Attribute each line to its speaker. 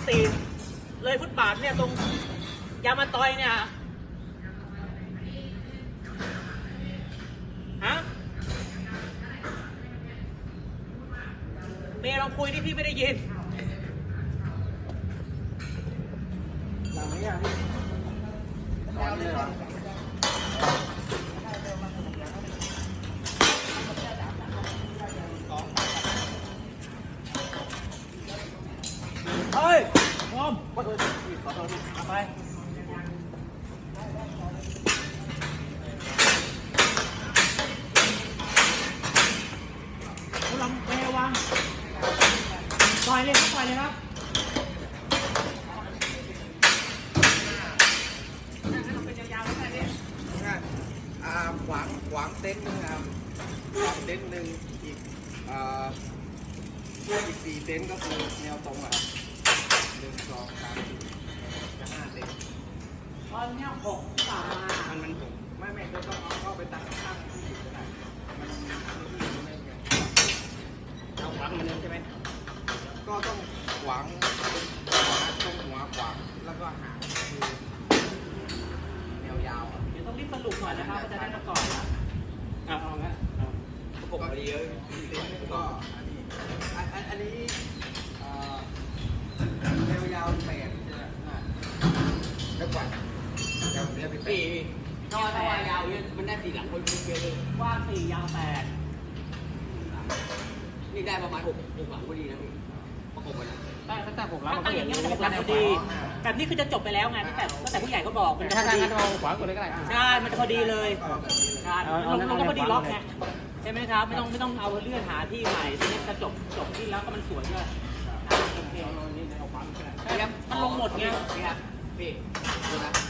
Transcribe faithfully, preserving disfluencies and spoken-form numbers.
Speaker 1: สี่เลยฟุตบาทเนี่ยตรงยามาตอยเนี่ยฮะเมย์ลองคุยที่พี่ไม่ได้ยิน
Speaker 2: หลังนี้อ่ะพี่ตอนนี้เหรอ
Speaker 1: เฮ้ยงอมขอโทษขอโทษเอาไปคุณลำเปวางปล่อยเลยครับปล่อยเลยครับเป็นยาวๆแล้วเนี่ย
Speaker 2: อ่าขวางขวางเต็นท์นึงครับขวางเต็นท์หนึ่งอีกอ่าอีกสี่เต็นท์ก็คือแนวตรงอ่ะหนึ่งสองสามสี่จะห้าเต็นท์
Speaker 1: ตอนนี้หกสามมา
Speaker 2: มันมันถูกไม่ไม่ก็ต้องเอาเข้าไปตั้งข้างที่อยู่ก็ได้มันไม่ไงเอาขวางมันเลยใช่ไหมก็ต้องขวางตรงหัวขวางแล้วก็หางคือแนวยาวอ่ะ
Speaker 1: เดี๋ยวต้องรีบสรุปหน่อยนะครับจะได้มาก่อนนะเอาเอางั้น
Speaker 2: ประกบไปเยอะก็อันนี้อันอันนี้แนวยาวแปดใช่ไหมแล้วกว่ายาวเนี้ยเป็นปี
Speaker 1: ถ้าว่ายาวเนี่ยมันได้สี่หลังคนเยอะเลยกว้างสี่ยาวแปด
Speaker 3: นี่ได้ประมาณหกหกหลังพอดีนะพี่ประกบกันนะ
Speaker 1: ได้ตั้งแต่หกหลังตั้งอย่างนี้มันจะหกหลังพอดีแบบนี้คือจะจบไปแล้วไงตั้งแต่ตั้งแต่ผู้ใหญ่ก็บอกมันจะพอดี
Speaker 4: ขวางก่อนเลยก็ได้
Speaker 1: ใช่มันจะพอดีเลยใช่ลงลงก็พอดีล็อกไงใช่ไหมครับไม่ต้องไม่ต้องเอาเลื่อนหาที่ใหม่ทีนี้จะจบจบที่แล้วก็มันสวยด้วยโอเคมันลงหมดไง
Speaker 3: พี่ครับพี่ดูนะ